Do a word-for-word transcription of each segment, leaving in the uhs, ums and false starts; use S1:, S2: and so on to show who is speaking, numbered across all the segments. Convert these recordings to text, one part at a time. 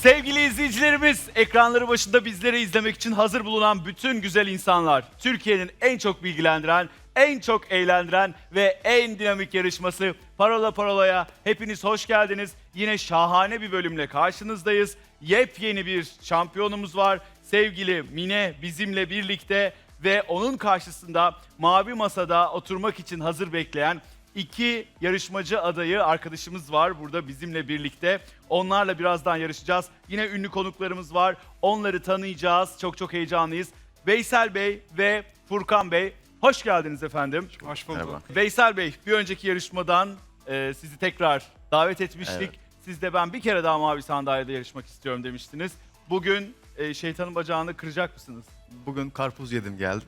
S1: Sevgili izleyicilerimiz, ekranları başında bizleri izlemek için hazır bulunan bütün güzel insanlar, Türkiye'nin en çok bilgilendiren, en çok eğlendiren ve en dinamik yarışması Parola Parola'ya hepiniz hoş geldiniz. Yine şahane bir bölümle karşınızdayız. Yepyeni bir şampiyonumuz var. Sevgili Mine bizimle birlikte ve onun karşısında mavi masada oturmak için hazır bekleyen İki yarışmacı adayı arkadaşımız var burada bizimle birlikte. Onlarla birazdan yarışacağız. Yine ünlü konuklarımız var. Onları tanıyacağız. Çok çok heyecanlıyız. Veysel Bey ve Furkan Bey, hoş geldiniz efendim.
S2: Hoş bulduk.
S3: Merhaba.
S1: Veysel Bey, bir önceki yarışmadan e, sizi tekrar davet etmiştik.
S3: Evet.
S1: Siz de ben bir kere daha mavi sandalyede yarışmak istiyorum demiştiniz. Bugün e, şeytanın bacağını kıracak mısınız?
S3: Bugün karpuz yedim geldim.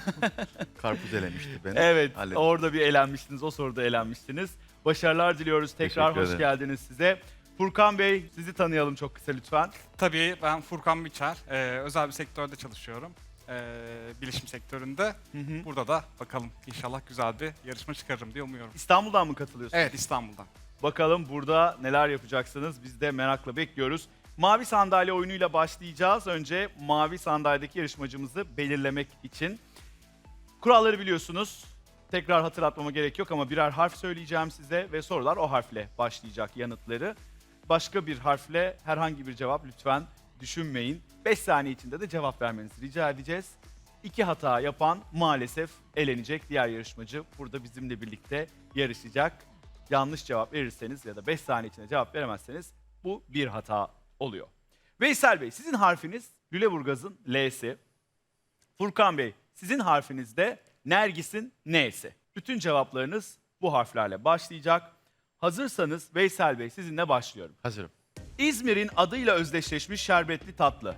S3: Karpuz elemişti beni.
S1: Evet,
S3: Hallettim.
S1: orada bir elenmiştiniz, o soruda elenmiştiniz. Başarılar diliyoruz. Tekrar
S3: Teşekkür
S1: hoş
S3: ederim.
S1: geldiniz size. Furkan Bey, sizi tanıyalım çok kısa lütfen.
S2: Tabii ben Furkan Biçer. Ee, özel bir sektörde çalışıyorum. Ee, bilişim sektöründe.
S1: Hı hı.
S2: Burada da bakalım inşallah güzel bir yarışma çıkarırım diye umuyorum.
S1: İstanbul'dan mı katılıyorsunuz?
S2: Evet, İstanbul'dan.
S1: Bakalım burada neler yapacaksınız? Biz de merakla bekliyoruz. Mavi sandalye oyunuyla başlayacağız. Önce mavi sandalyedeki yarışmacımızı belirlemek için. Kuralları biliyorsunuz. Tekrar hatırlatmama gerek yok ama birer harf söyleyeceğim size ve sorular o harfle başlayacak yanıtları. Başka bir harfle herhangi bir cevap lütfen düşünmeyin. beş saniye içinde de cevap vermenizi rica edeceğiz. İki hata yapan maalesef elenecek. Diğer yarışmacı burada bizimle birlikte yarışacak. Yanlış cevap verirseniz ya da beş saniye içinde cevap veremezseniz bu bir hata oluyor. Veysel Bey, sizin harfiniz Lüleburgaz'ın L'si. Furkan Bey, sizin harfiniz de Nergis'in N'si. Bütün cevaplarınız bu harflerle başlayacak. Hazırsanız Veysel Bey, sizinle başlıyorum.
S3: Hazırım.
S1: İzmir'in adıyla özdeşleşmiş şerbetli tatlı.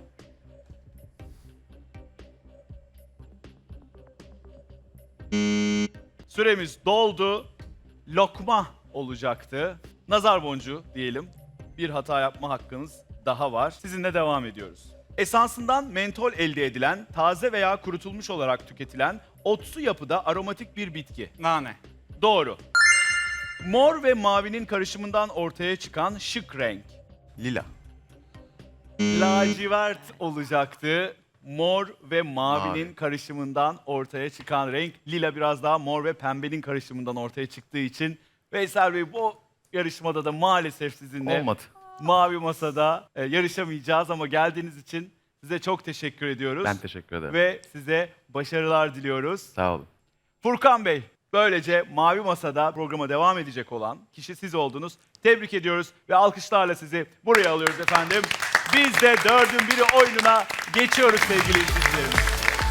S1: Süremiz doldu. Lokma olacaktı. Nazar boncuğu diyelim. Bir hata yapma hakkınız daha var. Sizinle devam ediyoruz. Esansından mentol elde edilen, taze veya kurutulmuş olarak tüketilen otsu yapıda aromatik bir bitki.
S2: Nane.
S1: Doğru. Mor ve mavinin karışımından ortaya çıkan şık renk.
S3: Lila.
S1: Lacivert olacaktı. Mor ve mavinin
S3: Mavi.
S1: karışımından ortaya çıkan renk. Lila biraz daha mor ve pembenin karışımından ortaya çıktığı için Veysel Bey bu yarışmada da maalesef sizinle
S3: Olmadı.
S1: mavi masada e, yarışamayacağız ama geldiğiniz için size çok teşekkür ediyoruz.
S3: Ben teşekkür ederim.
S1: Ve size başarılar diliyoruz.
S3: Sağ olun.
S1: Furkan Bey, böylece Mavi Masa'da programa devam edecek olan kişi siz oldunuz. Tebrik ediyoruz ve alkışlarla sizi buraya alıyoruz efendim. Biz de dördün biri oyununa geçiyoruz sevgili izleyicilerimiz.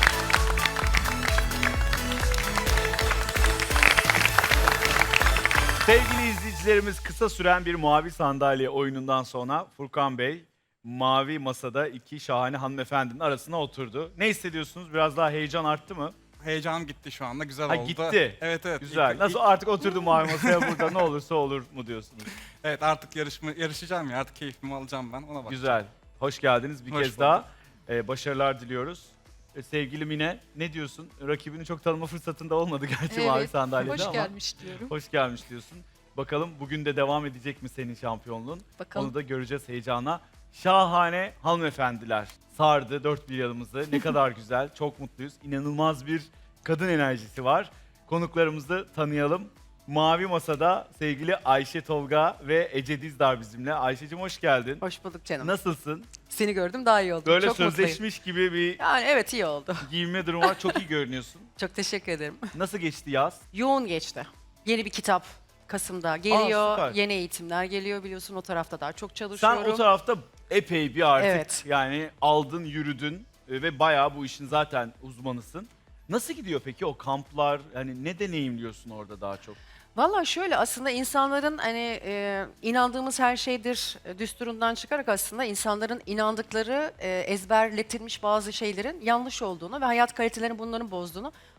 S1: Sevgili izleyicilerimiz, kısa süren bir mavi sandalye oyunundan sonra Furkan Bey Mavi Masa'da iki şahane hanımefendinin arasına oturdu. Ne hissediyorsunuz? Biraz daha heyecan arttı mı?
S2: Heyecanım gitti şu anda. Güzel
S1: Ha,
S2: oldu.
S1: gitti.
S2: Evet evet.
S1: Güzel.
S2: İlk-
S1: Nasıl
S2: ilk-
S1: artık oturdum mavi masaya burada ne olursa olur mu diyorsunuz?
S2: Evet artık yarışma, yarışacağım ya. Artık keyfimi alacağım ben. Ona bak.
S1: Güzel. Hoş geldiniz bir
S2: Hoş
S1: kez
S2: bulduk.
S1: daha. Ee, başarılar diliyoruz. Ee, sevgili Mine, ne diyorsun? Rakibini çok tanıma fırsatında olmadı gerçi mavi
S4: Evet,
S1: sandalyede
S4: hoş
S1: ama.
S4: gelmiş diyorum.
S1: Hoş gelmiş diyorsun. Bakalım bugün de devam edecek mi senin şampiyonluğun?
S4: Bakalım.
S1: Onu da göreceğiz heyecanla. Şahane hanımefendiler sardı dört bir yanımızı. Ne kadar güzel, çok mutluyuz. İnanılmaz bir kadın enerjisi var. Konuklarımızı tanıyalım. Mavi Masa'da sevgili Ayşe Tolga ve Ece Dizdar bizimle. Ayşe'cim hoş geldin.
S4: Hoş bulduk canım.
S1: Nasılsın?
S4: Seni gördüm daha iyi oldu.
S1: Böyle
S4: Çok mutluyum.
S1: sözleşmiş gibi bir
S4: Yani evet iyi oldu.
S1: giyinme durumu var. Çok iyi görünüyorsun.
S4: Çok teşekkür ederim.
S1: Nasıl geçti yaz?
S4: Yoğun geçti. Yeni bir kitap Kasım'da geliyor.
S1: süper.
S4: Yeni eğitimler geliyor biliyorsun o tarafta daha çok
S1: Sen
S4: çalışıyorum.
S1: o tarafta epey bir artık
S4: Evet.
S1: yani aldın yürüdün e, ve bayağı bu işin zaten uzmanısın. Nasıl gidiyor peki o kamplar? Yani ne deneyimliyorsun orada daha çok?
S4: Valla şöyle aslında insanların hani e, inandığımız her şeydir e, düsturundan çıkarak aslında insanların inandıkları e, ezberletilmiş bazı şeylerin yanlış olduğunu ve hayat kalitelerini bunların bozduğunu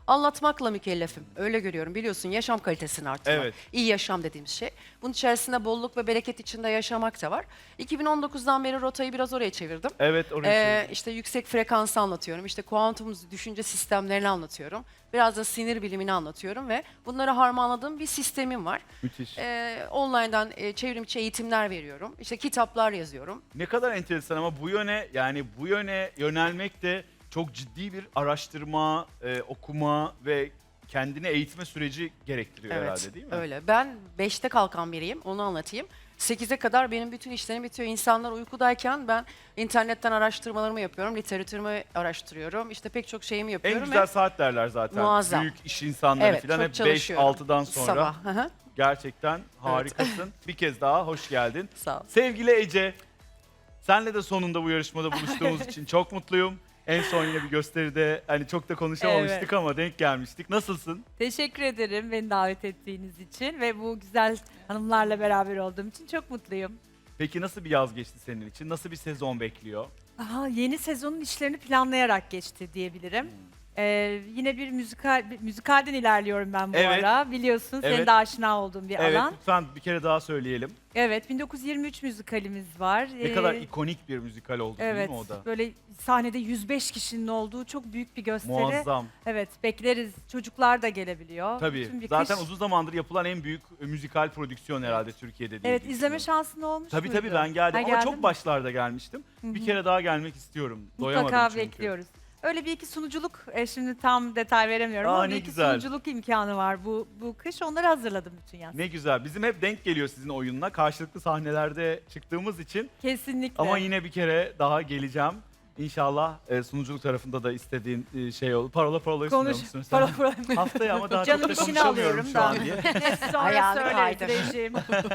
S4: anlatmakla mükellefim. Öyle görüyorum. Biliyorsun yaşam kalitesini artırmak.
S1: Evet.
S4: İyi yaşam dediğimiz şey. Bunun içerisinde bolluk ve bereket içinde yaşamak da var. iki bin on dokuzdan beri rotayı biraz oraya çevirdim.
S1: Evet oraya.
S4: Ee, işte yüksek frekansı anlatıyorum. İşte kuantum düşünce sistemlerini anlatıyorum. Biraz da sinir bilimini anlatıyorum ve bunları harmanladığım bir sistemim var.
S1: Müthiş.
S4: Ee, online'dan e, çevrim içi eğitimler veriyorum. İşte kitaplar yazıyorum.
S1: Ne kadar enteresan ama bu yöne yani bu yöne yönelmek de çok ciddi bir araştırma, e, okuma ve kendini eğitme süreci gerektiriyor herhalde değil mi?
S4: Öyle. Ben beşte kalkan biriyim. Onu anlatayım. sekize kadar benim bütün işlerim bitiyor. İnsanlar uykudayken ben internetten araştırmalarımı yapıyorum. Literatürümü araştırıyorum. İşte pek çok şeyimi
S1: En
S4: yapıyorum.
S1: güzel
S4: ve
S1: saat derler zaten.
S4: Muazzam.
S1: Büyük iş insanları
S4: Evet,
S1: falan
S4: çok
S1: hep beş
S4: çalışıyorum.
S1: altıdan sonra.
S4: Sabah. Hı hı.
S1: Gerçekten harikasın. Bir kez daha hoş geldin.
S4: Sağ ol.
S1: Sevgili Ece, senle de sonunda bu yarışmada buluştuğumuz için çok mutluyum. En son yine bir gösteride hani çok da konuşamamıştık
S5: Evet.
S1: ama denk gelmiştik. Nasılsın?
S5: Teşekkür ederim beni davet ettiğiniz için ve bu güzel hanımlarla beraber olduğum için çok mutluyum.
S1: Peki nasıl bir yaz geçti senin için? Nasıl bir sezon bekliyor?
S5: Aha, yeni sezonun işlerini planlayarak geçti diyebilirim. Ee, yine bir müzikal bir müzikalden ilerliyorum ben bu
S1: Evet.
S5: ara. Biliyorsun senin
S1: Evet.
S5: de aşina olduğun bir
S1: Evet,
S5: alan.
S1: lütfen bir kere daha söyleyelim.
S5: Evet, bin dokuz yüz yirmi üç müzikalimiz var.
S1: Ne kadar
S5: Ee,
S1: ikonik bir müzikal oldu
S5: Evet,
S1: değil mi o da?
S5: böyle sahnede yüz beş kişinin olduğu çok büyük bir gösteri.
S1: Muazzam.
S5: Evet, bekleriz. Çocuklar da gelebiliyor.
S1: Tabii.
S5: Bütün bir
S1: Zaten
S5: kış-
S1: uzun zamandır yapılan en büyük e, müzikal prodüksiyon herhalde Türkiye'de diye
S5: Evet, izleme
S1: düşünüyorum.
S5: şansın olmuş
S1: Tabii
S5: muydu?
S1: tabii ben geldim
S5: Ha,
S1: ama
S5: geldin
S1: çok
S5: mi?
S1: başlarda gelmiştim. Bir kere daha gelmek istiyorum. Doyamadım
S5: Mutlaka
S1: çünkü.
S5: bekliyoruz. Öyle bir iki sunuculuk, e, şimdi tam detay veremiyorum
S1: Aa,
S5: ama
S1: ne
S5: bir iki
S1: güzel.
S5: sunuculuk imkanı var bu bu kış. Onları hazırladım bütün yaz.
S1: Ne güzel. Bizim hep denk geliyor sizin oyununa. Karşılıklı sahnelerde çıktığımız için.
S5: Kesinlikle.
S1: Ama yine bir kere daha geleceğim. İnşallah e, sunuculuk tarafında da istediğin e, şey olur. Parola parolayı
S5: konuş.
S1: sunuyor musun sen?
S5: Para para.
S1: Haftaya ama daha
S5: Canım
S1: çok da
S5: işini
S1: konuşamıyorum
S5: alıyorum
S1: şu an
S5: da.
S1: diye.
S5: Sonra
S4: Ayağını
S5: söyleriz
S4: kaydır.
S5: rejim.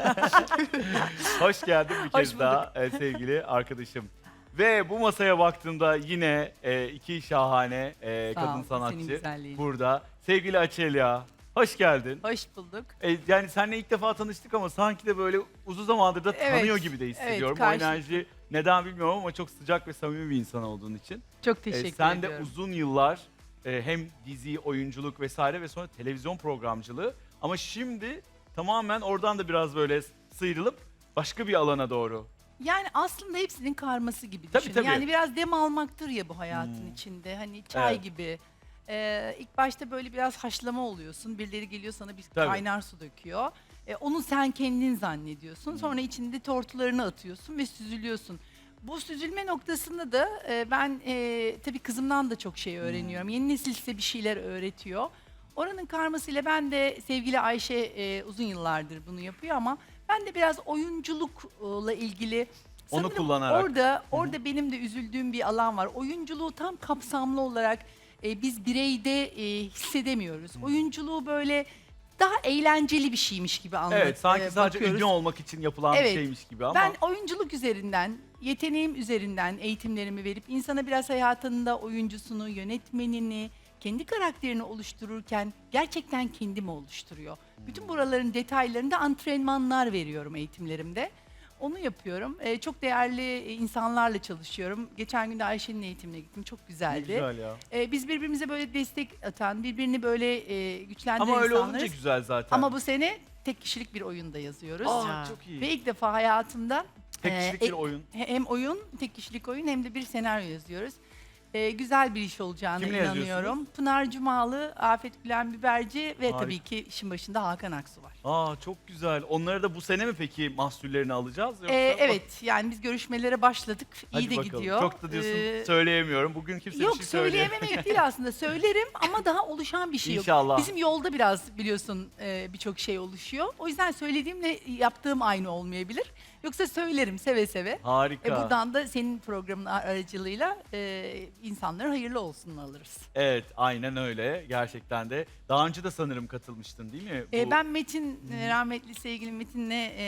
S1: Hoş geldin bir
S5: Hoş
S1: kez daha e, sevgili arkadaşım. Ve bu masaya baktığımda yine e, iki şahane e,
S6: Sağ
S1: kadın
S6: ol, senin
S1: sanatçı
S6: güzelliğin.
S1: burada. Sevgili Açelya, hoş geldin.
S6: Hoş bulduk.
S1: E, yani seninle ilk defa tanıştık ama sanki de böyle uzun zamandır da
S6: Evet,
S1: tanıyor gibi de hissediyorum.
S6: evet,
S1: o
S6: karşılıklı.
S1: enerji neden bilmiyorum ama çok sıcak ve samimi bir insan olduğun için.
S6: Çok
S1: E,
S6: teşekkür
S1: sen
S6: ediyorum.
S1: de uzun yıllar e, hem dizi, oyunculuk vesaire ve sonra televizyon programcılığı ama şimdi tamamen oradan da biraz böyle sıyrılıp başka bir alana doğru.
S6: Yani aslında hepsinin karması gibi
S1: Tabii,
S6: düşün.
S1: tabii.
S6: Yani biraz dem almaktır ya bu hayatın
S1: Hmm.
S6: içinde. Hani çay
S1: Evet.
S6: gibi. Ee, ilk başta böyle biraz haşlama oluyorsun. Birileri geliyor sana bir
S1: Tabii.
S6: kaynar su döküyor. Ee, onu sen kendin zannediyorsun. Sonra içinde tortularını atıyorsun ve süzülüyorsun. Bu süzülme noktasında da e, ben e, tabii kızımdan da çok şey öğreniyorum. Yeni nesil size bir şeyler öğretiyor. Oranın karmasıyla ben de sevgili Ayşe e, uzun yıllardır bunu yapıyor ama ben de biraz oyunculukla ilgili
S1: Onu
S6: sanırım
S1: kullanarak.
S6: Orada orada benim de üzüldüğüm bir alan var. Oyunculuğu tam kapsamlı olarak e, biz bireyde e, hissedemiyoruz. Oyunculuğu böyle daha eğlenceli bir şeymiş gibi anlat.
S1: Evet sanki
S6: e,
S1: sadece
S6: bakıyoruz.
S1: ünlü olmak için yapılan
S6: Evet.
S1: bir şeymiş gibi ama.
S6: Ben oyunculuk üzerinden, yeteneğim üzerinden eğitimlerimi verip insana biraz hayatında oyuncusunu, yönetmenini, kendi karakterini oluştururken gerçekten kendimi oluşturuyor. Bütün buraların detaylarında antrenmanlar veriyorum eğitimlerimde. Onu yapıyorum. Ee, çok değerli e, insanlarla çalışıyorum. Geçen gün de Ayşe'nin eğitimine gittim. Çok
S1: Ne
S6: güzeldi.
S1: güzel ya.
S6: Ee, biz birbirimize böyle destek atan, birbirini böyle e, güçlendiren
S1: Ama öyle
S6: insanlarız.
S1: olunca güzel zaten.
S6: Ama bu sene tek kişilik bir oyunda yazıyoruz.
S1: Aa,
S4: Ha.
S1: çok iyi.
S6: Ve ilk defa hayatımda
S1: Tek
S6: e,
S1: kişilik
S6: e-
S1: bir oyun.
S6: hem oyun, tek kişilik oyun hem de bir senaryo yazıyoruz. Ee, güzel bir iş olacağına
S1: Kimle
S6: inanıyorum.
S1: yazıyorsunuz?
S6: Pınar Cumalı, Afet Gülen Biberci ve
S1: Harika.
S6: tabii ki işin başında Hakan Aksu var.
S1: Aa çok güzel. Onları da bu sene mi peki mahsullerini alacağız? Yoksa
S6: Ee,
S1: bak-
S6: evet, yani biz görüşmelere başladık.
S1: Hadi
S6: İyi de
S1: bakalım.
S6: gidiyor.
S1: Çok da diyorsun
S6: Ee,
S1: söyleyemiyorum. Bugün kimse
S6: Yok
S1: bir şey söyleyemiyor.
S6: söyleyememek değil aslında. Söylerim ama daha oluşan bir şey yok.
S1: İnşallah.
S6: Bizim yolda biraz biliyorsun e, birçok şey oluşuyor. O yüzden söylediğimle yaptığım aynı olmayabilir. Yoksa söylerim seve seve.
S1: Harika.
S6: E, buradan da senin programın ar- aracılığıyla e, insanlara hayırlı olsun alırız.
S1: Evet aynen öyle. Gerçekten de. Daha önce de sanırım katılmıştın değil mi?
S6: E,
S1: Bu-
S6: ben Metin, e, rahmetli sevgili Metin'le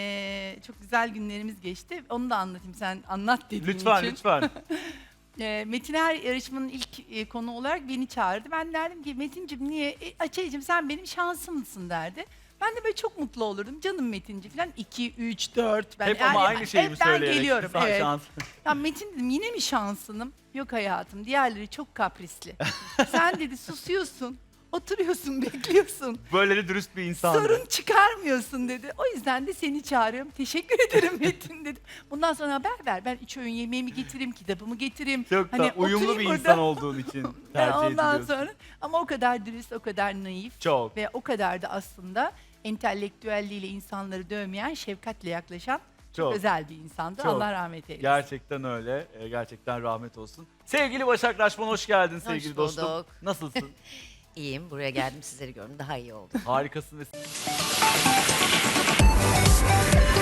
S6: e, çok güzel günlerimiz geçti. Onu da anlatayım sen anlat dediğin
S1: Lütfen
S6: için.
S1: lütfen.
S6: E, Metin her yarışmanın ilk e, konu olarak beni çağırdı. Ben derdim ki Metin'cim niye? E, Açaycığım sen benim şansımsın derdi. Ben de böyle çok mutlu olurdum. Canım Metinci falan iki, üç, dört. Ben,
S1: Hep ama
S6: yani
S1: aynı şeyi mi
S6: hep ben
S1: söyleyerek?
S6: geliyorum.
S1: Sen
S6: Evet.
S1: şans-
S6: Ya Metin dedim yine mi şansınım? Yok hayatım diğerleri çok kaprisli. Sen dedi susuyorsun. Oturuyorsun, bekliyorsun.
S1: Böyle de dürüst bir insan.
S6: Sorun çıkarmıyorsun dedi. O yüzden de seni çağırıyorum. Teşekkür ederim Metin dedim. Bundan sonra haber ver. Ben üç öğün yemeğimi getireyim, kitabımı getireyim.
S1: Çok da
S6: Hani
S1: uyumlu
S6: oturayım
S1: bir
S6: burada.
S1: insan olduğun için
S6: Ben
S1: tercih
S6: ondan
S1: ediliyorsun.
S6: sonra ama o kadar dürüst, o kadar naif
S1: Çok.
S6: ve o kadar da aslında entelektüelliğiyle insanları dövmeyen, şefkatle yaklaşan çok,
S1: Çok.
S6: özel bir insandı.
S1: Çok.
S6: Allah rahmet eylesin.
S1: Gerçekten öyle. Ee, Gerçekten rahmet olsun. Sevgili Başak Raşman hoş geldin sevgili
S7: Hoş
S1: dostum.
S7: bulduk.
S1: Nasılsın?
S7: İyiyim. Buraya geldim. Sizleri gördüm. Daha iyi oldu.
S1: Harikasın ve